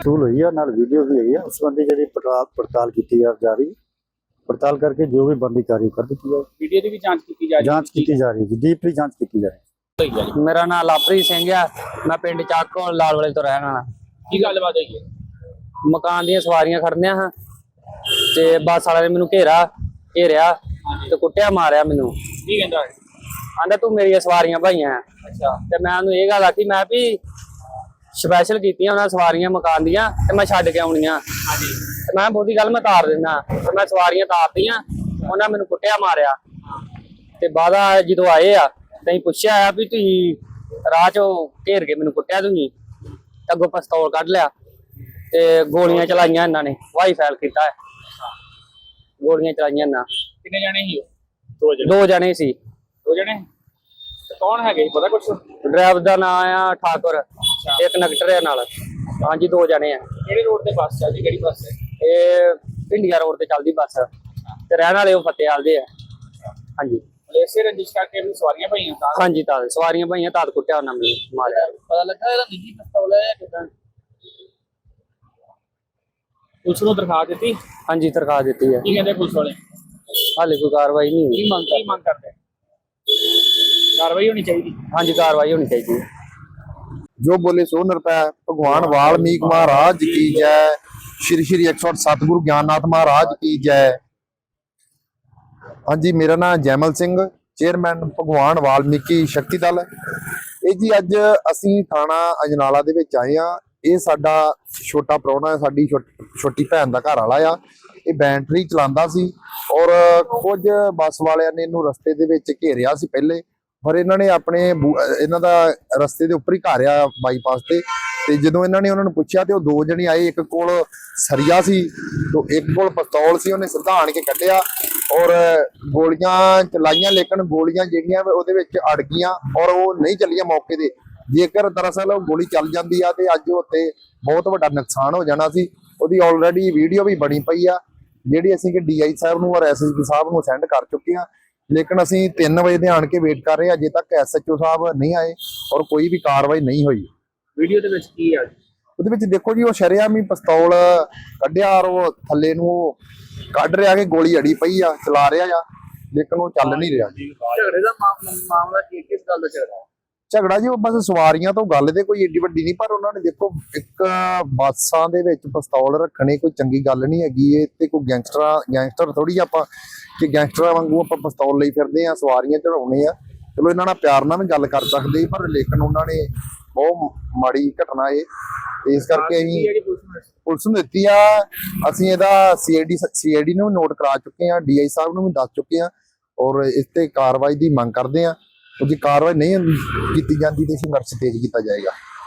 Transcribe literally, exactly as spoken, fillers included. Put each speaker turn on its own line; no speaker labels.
वसूल हुई है, नाल वीडियो भी हुई है। उस संबंधी जी पड़ताल पड़ताल की जा रही है। पड़ताल करके जो भी बनती कार्रवाई कर दी जाए।
वीडियो की भी जांच की जा रही
जांच की जा रही है, डीपली जांच की जा रही है।
मेरा नाम लाभप्रीत सिंह है, मैं पिंड चाको लाल वाले तो रहने वाला।
की गलबात हुई है?
मकान ਦੀਆਂ ਸਵਾਰੀਆਂ ਖੜਨੀਆਂ ਹਾਂ ਤੇ ਬੱਸ ਵਾਲੇ ਨੇ ਮੈਨੂੰ ਘੇਰਾ ਘੇਰਿਆ ਤੇ ਕੁੱਟਿਆ ਮਾਰਿਆ ਮੈਨੂੰ।
ਕੀ ਕਹਿੰਦਾ ਹੈ?
ਆਂਦਾ ਤੂੰ ਮੇਰੀਆਂ ਸਵਾਰੀਆਂ ਭਾਈਆਂ।
ਅੱਛਾ।
ਤੇ ਮੈਂ ਉਹਨੂੰ ਇਹ ਗੱਲ ਆਖੀ, ਮੈਂ ਵੀ ਸਪੈਸ਼ਲ ਕੀਤੀਆਂ ਉਹਨਾਂ ਸਵਾਰੀਆਂ ਮਕਾਨ ਦੀਆਂ ਤੇ ਮੈਂ ਛੱਡ ਕੇ ਆਉਣੀਆਂ।
ਹਾਂਜੀ।
ਤੇ ਮੈਂ ਬਹੁਤੀ ਗੱਲ ਮੈਂ ਤਾਰ ਦਿੰਦਾ ਤੇ ਮੈਂ ਸਵਾਰੀਆਂ ਤਾਰਤੀਆਂ, ਉਹਨਾਂ ਮੈਨੂੰ ਕੁੱਟਿਆ ਮਾਰਿਆ। ਤੇ ਬਾਅਦ ਜਦੋਂ ਆਏ ਆ ਤੇ ਅਸੀਂ ਪੁੱਛਿਆ ਆ ਵੀ ਤੁਸੀਂ ਰਾਹ ਚੋਂ ਘੇਰ ਕੇ ਮੈਨੂੰ ਕੁੱਟਿਆ, ਤੁਸੀਂ ਅੱਗੋਂ ਪਿਸਤੌਲ ਕੱਢ ਲਿਆ ਤੇ ਗੋਲੀਆਂ ਚਲਾਈਆਂ ਇਹਨਾਂ ਨੇ। ਵਾਈ ਫਾਇਲ ਕੀਤਾ ਹੈ, ਗੋਲੀਆਂ ਚਲਾਈਆਂ ਇਹਨਾਂ।
ਕਿੰਨੇ ਜਣੇ ਸੀ ਉਹ? ਦੋ ਜਣੇ।
ਦੋ ਜਣੇ ਸੀ।
ਦੋ ਜਣੇ? ਤੇ ਕੌਣ ਹੈਗੇ ਪਤਾ ਕੁਛ?
ਡਰਾਈਵਰ ਦਾ ਨਾਮ ਆ ਠਾਕੁਰ, ਇੱਕ ਨਗਟਰ ਹੈ ਨਾਲ। ਹਾਂਜੀ, ਦੋ ਜਣੇ ਆ।
ਕਿਹੜੇ ਰੋਡ ਤੇ ਬੱਸ ਚੱਲਦੀ? ਕਿਹੜੀ ਬੱਸ ਹੈ
ਇਹ ਭਿੰਡੀਆਂ ਰੋਡ ਤੇ ਚੱਲਦੀ ਬੱਸ ਤੇ ਰਹਿਣ ਵਾਲੇ ਉਹ ਫਤਿਆਲ ਦੇ ਆ। ਹਾਂਜੀ।
ਇਸੇ ਰੰਜਿਸ਼ ਕਰਕੇ ਵੀ ਸਵਾਰੀਆਂ ਪਈਆਂ ਤਾਂ?
ਹਾਂਜੀ, ਤਾਂ ਸਵਾਰੀਆਂ ਭਾਈਆਂ ਤਾਂ ਕੁੱਟਿਆ ਉਹਨਾਂ ਨੇ, ਮਾਰਿਆ।
ਪਤਾ ਲੱਗਾ ਇਹਦਾ ਨਿੱਜੀ ਪਿਸਤੌਲ ਹੈ ਕਿਦਾਂ? ਪੁਲਿਸ ਨੂੰ ਦਰਖਾਸਤ ਦਿੱਤੀ?
ਹਾਂਜੀ, ਦਰਖਾਸਤ ਦਿੱਤੀ ਹੈ।
ਕੀ ਕਹਿੰਦੇ ਪੁਲਿਸ ਵਾਲੇ?
ਹਾਲੇ ਕੋਈ ਕਾਰਵਾਈ ਨਹੀਂ ਹੋਈ।
ਕੀ ਮੰਗ ਕੀ ਮੰਗ ਕਰਦੇ? ਕਾਰਵਾਈ ਹੋਣੀ ਚਾਹੀਦੀ।
ਹਾਂਜੀ, ਕਾਰਵਾਈ ਹੋਣੀ ਚਾਹੀਦੀ ਹੈ।
जो बोले सो निरपै। भगवान वाल्मीकि महाराज की जय। श्री श्री एक सौ सतगुरु ज्ञाननाथ महाराज की जय। हाँ जी, मेरा नाम जैमल सिंह, चेयरमैन भगवान वाल्मीकि शक्ति दल। ਇਹ ਜੀ ਅੱਜ ਅਸੀਂ ਥਾਣਾ ਅਜਨਾਲਾ ਦੇ ਵਿੱਚ ਆਏ ਆ। ਇਹ ਸਾਡਾ ਛੋਟਾ ਪ੍ਰਾਹੁਣਾ, ਸਾਡੀ ਛੋਟੀ ਭੈਣ ਦਾ ਘਰ ਵਾਲਾ ਆ। ਇਹ ਬੈਟਰੀ ਚਲਾਉਂਦਾ ਸੀ ਔਰ ਕੁਝ ਬੱਸ ਵਾਲਿਆਂ ਨੇ ਇਹਨੂੰ ਰਸਤੇ ਦੇ ਵਿੱਚ ਘੇਰਿਆ ਸੀ ਪਹਿਲੇ, ਪਰ ਇਹਨਾਂ ਨੇ ਆਪਣੇ ਇਹਨਾਂ ਦਾ ਰਸਤੇ ਦੇ ਉੱਪਰ ਹੀ ਘਰ ਆ ਬਾਈਪਾਸ ਤੇ। ਤੇ ਜਦੋਂ ਇਹਨਾਂ ਨੇ ਉਹਨਾਂ ਨੂੰ ਪੁੱਛਿਆ ਤੇ ਉਹ ਦੋ ਜਣੇ ਆਏ, ਇੱਕ ਕੋਲ ਸਰੀਆ ਸੀ ਤੇ ਇੱਕ ਕੋਲ ਪਿਸਤੌਲ ਸੀ। ਉਹਨੇ ਸਿੱਧਾ ਆਣ ਕੇ ਕੱਢਿਆ ਔਰ ਗੋਲੀਆਂ ਚਲਾਈਆਂ, ਲੇਕਿਨ ਗੋਲੀਆਂ ਜਿਹੜੀਆਂ ਉਹਦੇ ਵਿੱਚ ਅੜ ਗਈਆਂ ਔਰ ਉਹ ਨਹੀਂ ਚੱਲੀਆਂ ਮੌਕੇ ਤੇ। ਜੇਕਰ ਦਰਅਸਲ ਉਹ ਗੋਲੀ ਚੱਲ ਜਾਂਦੀ ਆ ਤੇ ਅੱਜ ਉੱਤੇ ਬਹੁਤ ਵੱਡਾ ਨੁਕਸਾਨ ਹੋ ਜਾਣਾ ਸੀ। ਉਹਦੀ ਆਲਰੇਡੀ ਵੀਡੀਓ ਵੀ ਬਣੀ ਪਈ ਆ, ਜਿਹੜੀ ਅਸੀਂ ਕਿ ਡੀ ਆਈ ਸਾਹਿਬ ਨੂੰ ਔਰ ਐਸ ਐਸ ਪੀ ਸਾਹਿਬ ਨੂੰ ਸੈਂਡ ਕਰ ਚੁੱਕੇ ਆ। ਲੇਕਿਨ ਅਸੀਂ ਤਿੰਨ ਵਜੇ ਦੇ ਆਣ ਕੇ ਵੇਟ ਕਰ ਰਹੇ ਹਾਂ, ਅਜੇ ਤੱਕ ਐਸ ਐਚ ਓ ਸਾਹਿਬ ਨਹੀਂ ਆਏ ਔਰ ਕੋਈ ਵੀ ਕਾਰਵਾਈ ਨਹੀਂ ਹੋਈ।
ਵੀਡੀਓ ਦੇ ਵਿੱਚ ਕੀ ਆ?
ਉਹਦੇ ਵਿੱਚ ਦੇਖੋ ਜੀ, ਉਹ ਸ਼ਰੇਆਮ ਹੀ ਪਿਸਤੌਲ ਕੱਢਿਆ ਔਰ ਉਹ ਥੱਲੇ ਨੂੰ ਕੱਢ ਰਿਹਾ ਕਿ ਗੋਲੀ ਅੜੀ ਪਈ ਆ, ਚਲਾ ਰਿਹਾ ਆ, ਲੇਕਿਨ ਉਹ ਚੱਲ ਨਹੀਂ ਰਿਹਾ।
ਝਗੜੇ ਦਾ ਮਾਮਲਾ ਕੀ, ਕਿਸ ਗੱਲ ਦਾ ਝਗੜਾ?
ਝਗੜਾ ਜੀ ਉਹ ਬਸ ਸਵਾਰੀਆਂ ਤੋਂ ਗੱਲ ਤੇ ਕੋਈ ਏਡੀ ਵੱਡੀ ਨਹੀਂ, ਪਰ ਉਹਨਾਂ ਨੇ ਦੇਖੋ ਇੱਕ ਬੱਸਾਂ ਦੇ ਵਿੱਚ ਪਿਸਤੌਲ ਰੱਖਣੇ ਕੋਈ ਚੰਗੀ ਗੱਲ ਨਹੀਂ ਹੈਗੀ। ਇਹ ਤੇ ਕੋਈ ਗੈਂਗਸਟਰਾਂ ਗੈਂਗਸਟਰ ਥੋੜੀ ਆਪਾਂ ਕਿ ਗੈਂਗਸਟਰਾਂ ਵਾਂਗੂ ਆਪਾਂ ਪਿਸਤੌਲ ਲਈ ਫਿਰਦੇ ਆ, ਸਵਾਰੀਆਂ ਚੜਾਉਣੇ ਆ। ਚਲੋ ਇਹਨਾਂ ਨਾਲ ਪਿਆਰ ਨਾਲ ਵੀ ਗੱਲ ਕਰ ਸਕਦੇ, ਪਰ ਲੇਕਿਨ ਉਹਨਾਂ ਨੇ ਬਹੁਤ ਮਾੜੀ ਘਟਨਾ ਇਹ, ਤੇ ਇਸ ਕਰਕੇ ਅਸੀਂ ਪੁਲਿਸ ਨੂੰ ਦਿੱਤੀ ਆ। ਅਸੀਂ ਇਹਦਾ C I D C I D ਨੂੰ ਨੋਟ ਕਰਾ ਚੁੱਕੇ ਆ, ਡੀ ਆਈ ਸਾਹਿਬ ਨੂੰ ਵੀ ਦੱਸ ਚੁੱਕੇ ਆ ਔਰ ਇਸ ਤੇ ਕਾਰਵਾਈ ਦੀ ਮੰਗ ਕਰਦੇ ਆ। ਜੇ ਕਾਰਵਾਈ ਨਹੀਂ ਕੀਤੀ ਜਾਂਦੀ ਤੇ ਸੰਘਰਸ਼ ਤੇਜ਼ ਕੀਤਾ ਜਾਏਗਾ।